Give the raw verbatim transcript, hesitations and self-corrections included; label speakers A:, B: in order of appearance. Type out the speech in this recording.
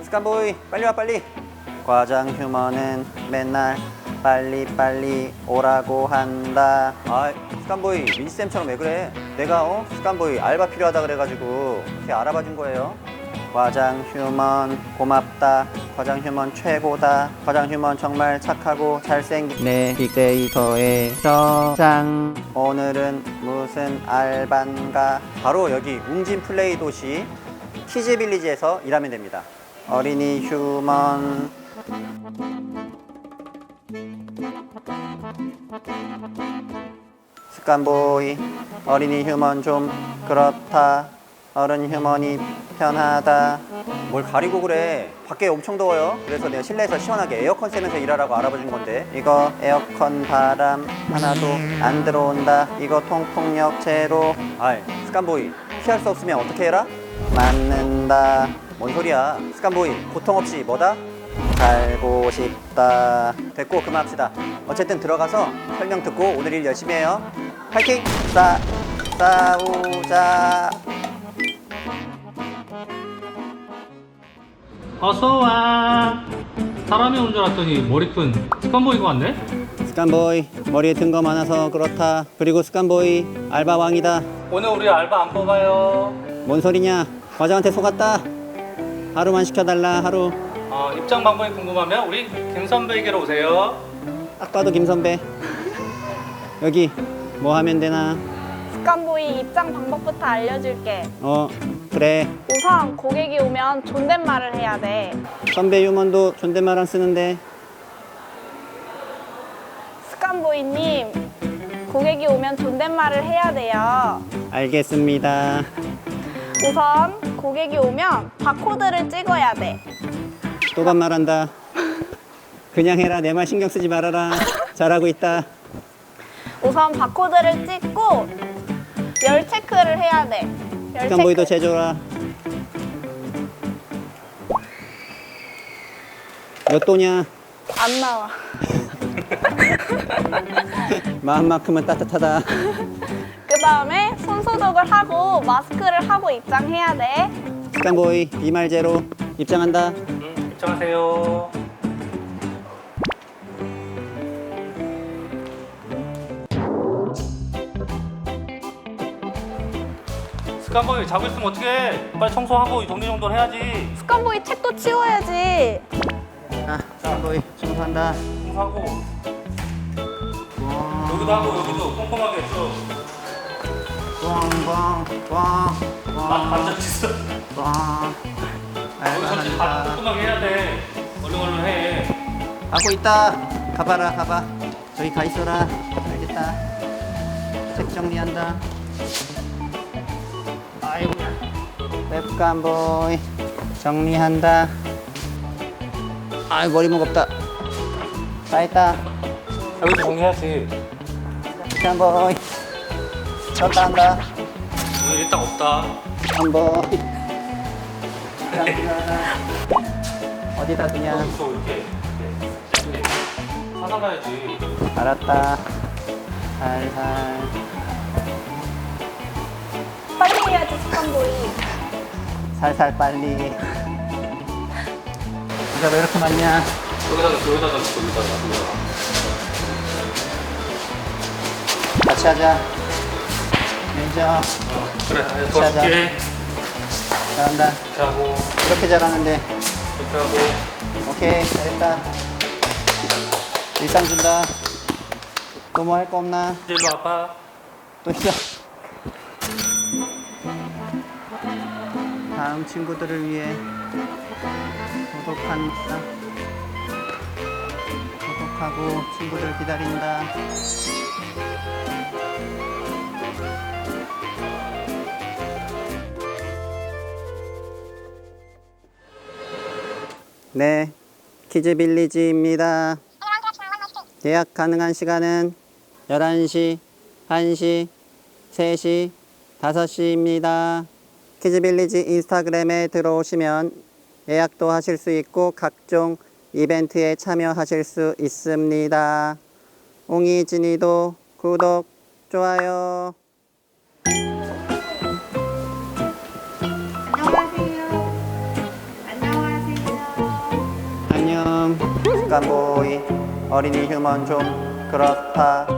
A: 스칸보이 빨리 와 빨리. 과장 휴먼은 맨날 빨리빨리 오라고 한다. 아 스칸보이 민지쌤처럼 왜 그래? 내가 어? 스칸보이 알바 필요하다 그래가지고 이렇게 알아봐 준 거예요. 과장 휴먼 고맙다. 과장 휴먼 최고다. 과장 휴먼 정말 착하고 잘생긴 내 빅데이터의 저장. 오늘은 무슨 알바인가? 바로 여기 웅진 플레이 도시 키즈빌리지에서 일하면 됩니다. 어린이 휴먼. 스칸보이 어린이 휴먼 좀 그렇다. 어른 휴먼이 편하다. 뭘 가리고 그래. 밖에 엄청 더워요. 그래서 내가 실내에서 시원하게 에어컨 쐬면서 일하라고 알아봐 준 건데, 이거 에어컨 바람 하나도 안 들어온다. 이거 통풍력 제로. 아이 스칸보이 피할 수 없으면 어떻게 해라? 맞는다. 뭔 소리야. 스칸보이 고통 없이 뭐다? 살고 싶다. 됐고 그만합시다. 어쨌든 들어가서 설명 듣고 오늘 일 열심히 해요. 파이팅! 싸, 싸우자.
B: 어서와. 사람이 온 줄 알았더니 머리 큰 스칸보이가 왔네?
A: 스칸보이 머리에 든 거 많아서 그렇다. 그리고 스칸보이 알바왕이다.
B: 오늘 우리 알바 안 뽑아요.
A: 뭔 소리냐. 과장한테 속았다. 하루만 시켜달라. 하루.
B: 어, 입장 방법이 궁금하면 우리 김 선배에게로 오세요.
A: 딱 봐도 김 선배. 여기 뭐 하면 되나?
C: 스칸보이 입장 방법부터 알려줄게.
A: 어 그래.
C: 우선 고객이 오면 존댓말을 해야 돼.
A: 선배 유먼도 존댓말 안 쓰는데.
C: 스칸보이님, 고객이 오면 존댓말을 해야 돼요.
A: 알겠습니다.
C: 우선 고객이 오면 바코드를 찍어야 돼.
A: 또 반말한다. 그냥 해라. 내 말 신경 쓰지 말아라. 잘하고 있다.
C: 우선 바코드를 찍고 열 체크를 해야 돼. 열
A: 스칸보이도
C: 체크.
A: 제조라. 몇 도냐?
C: 안 나와.
A: 마음만큼은 따뜻하다.
C: 그 다음에 손 소독을 하고 마스크를 하고 입장해야 돼.
A: 스칸보이 비말 제로 입장한다.
B: 음, 입장하세요. 스칸보이 자고 있으면 어떡해? 빨리 청소하고 정리정돈 해야지.
C: 스칸보이 책도 치워야지.
A: 아, 스칸보이 청소한다.
B: 청소하고 여기도 하고 여기도 꼼꼼하게 했어.
A: 꽝꽝꽝꽝
B: 막 반짝 쳤어.
A: 꽝.
B: 여기 설치 다
A: 알바한다.
B: 꼼꼼하게 해야 돼. 얼른 얼른 해.
A: 하고 있다. 가봐라 가봐. 저기 가 있어라. 알겠다. 책 정리한다. 아이고. 웹감보이 정리한다. 아이 머리 무겁다. 다 했다.
B: 여기도 정리해야지.
A: 웹감보이 쳤다 한다.
B: 오늘 일당 없다.
A: 웹감보이 어디다 두냐.
B: 여기서 이렇게 이렇게 사서 가야지.
A: 알았다. 살살.
C: 빨리 해야지, 스칸보이.
A: 살살 빨리. 이거 왜 이렇게 많냐?
B: 여기다가 여기다가 여기다가 여기다가.
A: 같이 하자. 매니저
B: 어, 그래. 아,
A: 시작하자.
B: 도와줄게.
A: 잘한다.
B: 이렇게 하고
A: 이렇게 잘하는데.
B: 이렇게 하고.
A: 오케이 잘했다. 일상 준다. 또 뭐 할 거 없나?
B: 이제 일로 와봐.
A: 또 시작. 다음 친구들을 위해 소독한다. 소독하고 친구들 기다린다. 네, 키즈빌리지입니다. 예약 가능한 시간은 열한 시, 한 시, 세 시, 다섯 시입니다. 키즈빌리지 인스타그램에 들어오시면 예약도 하실 수 있고 각종 이벤트에 참여하실 수 있습니다. 옹이진이도 구독, 좋아요.
D: 안녕하세요. 안녕하세요.
A: 스칸보이 어린이 휴먼 좀 그렇다.